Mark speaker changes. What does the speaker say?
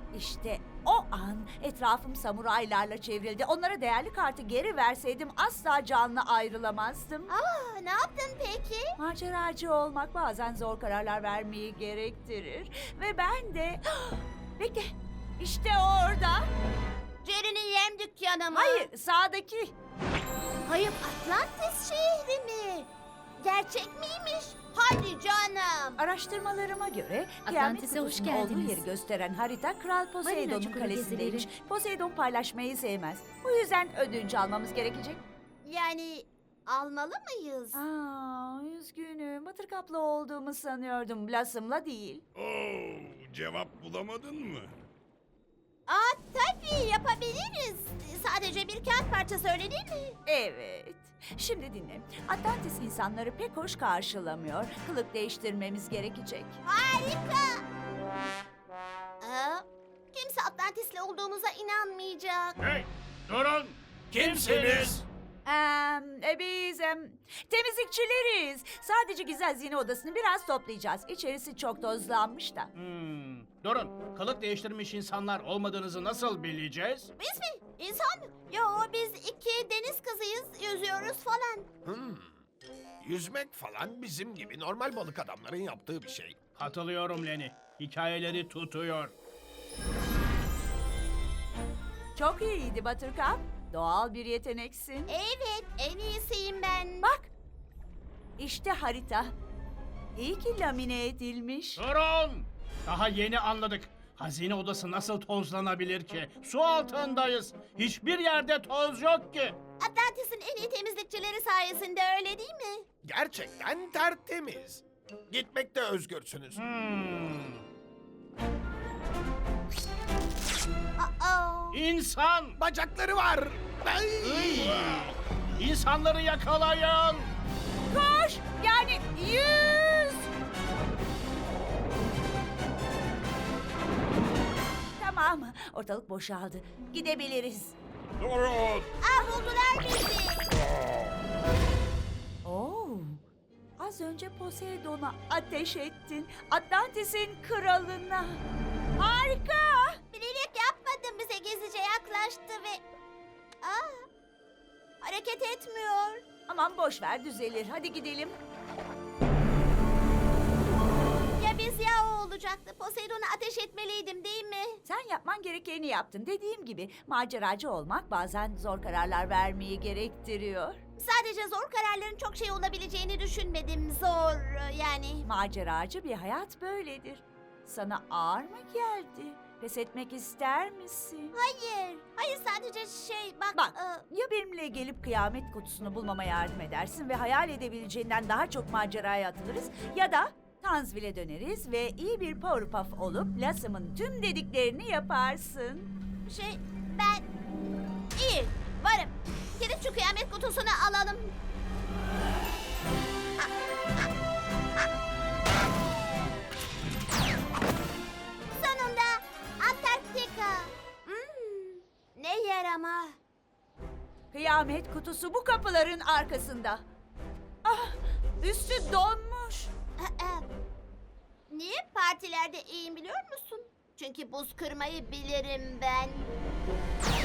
Speaker 1: İşte o an etrafım samuraylarla çevrildi. Onlara değerli kartı geri verseydim asla canlı ayrılamazdım.
Speaker 2: Ne yaptın peki?
Speaker 1: Maceracı olmak bazen zor kararlar vermeyi gerektirir. Ve ben de... Bekle, işte orada.
Speaker 2: Jerry'nin yem dükkanı mı?
Speaker 1: Hayır, sağdaki.
Speaker 2: Kayıp Atlantis şehri mi? Gerçek miymiş? Hadi canım.
Speaker 1: Araştırmalarıma göre Kıyamet
Speaker 3: Atlantis'e hoş
Speaker 1: Kutusu'nun olduğu
Speaker 3: geldiniz.
Speaker 1: yeri gösteren harita Kral Poseidon'un
Speaker 3: çukuru
Speaker 1: kalesindeymiş.
Speaker 3: gezileri.
Speaker 1: Poseidon paylaşmayı sevmez. Bu yüzden ödünç almamız gerekecek.
Speaker 2: Yani almalı mıyız?
Speaker 1: Üzgünüm. Buttercup'la olduğumu sanıyordum. Blossom'la değil.
Speaker 4: Oo, cevap bulamadın mı?
Speaker 2: Tabii yapabiliriz. Sadece bir kağıt parçası öyle değil mi?
Speaker 1: Evet. Şimdi dinle. Atlantis insanları pek hoş karşılamıyor. Kılık değiştirmemiz gerekecek.
Speaker 2: Harika. Kimse Atlantis'le olduğumuza inanmayacak.
Speaker 4: Hey, durun! Kimsiniz?
Speaker 1: Biz temizlikçileriz. Sadece gizli hazine odasını biraz toplayacağız. İçerisi çok tozlanmış da.
Speaker 5: Durun, kılık değiştirmiş insanlar olmadığınızı nasıl bileceğiz?
Speaker 2: Biz mi? İnsan mı? Yo, biz iki deniz kızıyız, yüzüyoruz falan.
Speaker 6: Yüzmek falan bizim gibi normal balık adamların yaptığı bir şey.
Speaker 5: Katılıyorum Lenny. Hikayeleri tutuyor.
Speaker 1: Çok iyiydi Buttercup. Doğal bir yeteneksin.
Speaker 2: Evet, en iyisiyim ben.
Speaker 1: Bak. İşte harita. İyi ki lamine edilmiş.
Speaker 5: Durun! Daha yeni anladık. Hazine odası nasıl tozlanabilir ki? Su altındayız. Hiçbir yerde toz yok ki.
Speaker 2: Atlantis'in en iyi temizlikçileri sayesinde öyle değil mi?
Speaker 6: Gerçekten tertemiz. Gitmekte özgürsünüz.
Speaker 5: İnsan!
Speaker 6: Bacakları var. Ay!
Speaker 5: İnsanları yakalayın!
Speaker 1: Koş! Yani yüz! Tamam, ortalık boşaldı. Gidebiliriz.
Speaker 4: Durun!
Speaker 2: Buldular bizi.
Speaker 1: Oo, az önce Poseidon'a ateş ettin. Atlantis'in kralına. Harika!
Speaker 2: Bilerek yapmadım, bize gizlice yaklaştı ve... hareket etmiyor.
Speaker 1: Aman boş ver, düzelir. Hadi gidelim.
Speaker 2: Ya biz ya o olacaktı. Poseidon'a ateş etmeliydim değil mi?
Speaker 1: Sen yapman gerekeni yaptın. Dediğim gibi maceracı olmak bazen zor kararlar vermeyi gerektiriyor.
Speaker 2: Sadece zor kararların çok şey olabileceğini düşünmedim. Zor yani.
Speaker 1: Maceracı bir hayat böyledir. Sana ağır mı geldi? Pes etmek ister misin?
Speaker 2: Hayır. Hayır, sadece bak.
Speaker 1: Bak, ya benimle gelip kıyamet kutusunu bulmama yardım edersin ve hayal edebileceğinden daha çok maceraya atılırız, ya da Tanzvil'e döneriz ve iyi bir Powerpuff olup Blossom'un tüm dediklerini yaparsın.
Speaker 2: Ben... İyi, varım. Gidip şu kıyamet kutusunu alalım. Sonunda Antarktika. Ne yer ama.
Speaker 1: Kıyamet kutusu bu kapıların arkasında. Ah, üstü donmuş.
Speaker 2: Niye partilerde iyiyim biliyor musun? Çünkü buz kırmayı bilirim ben.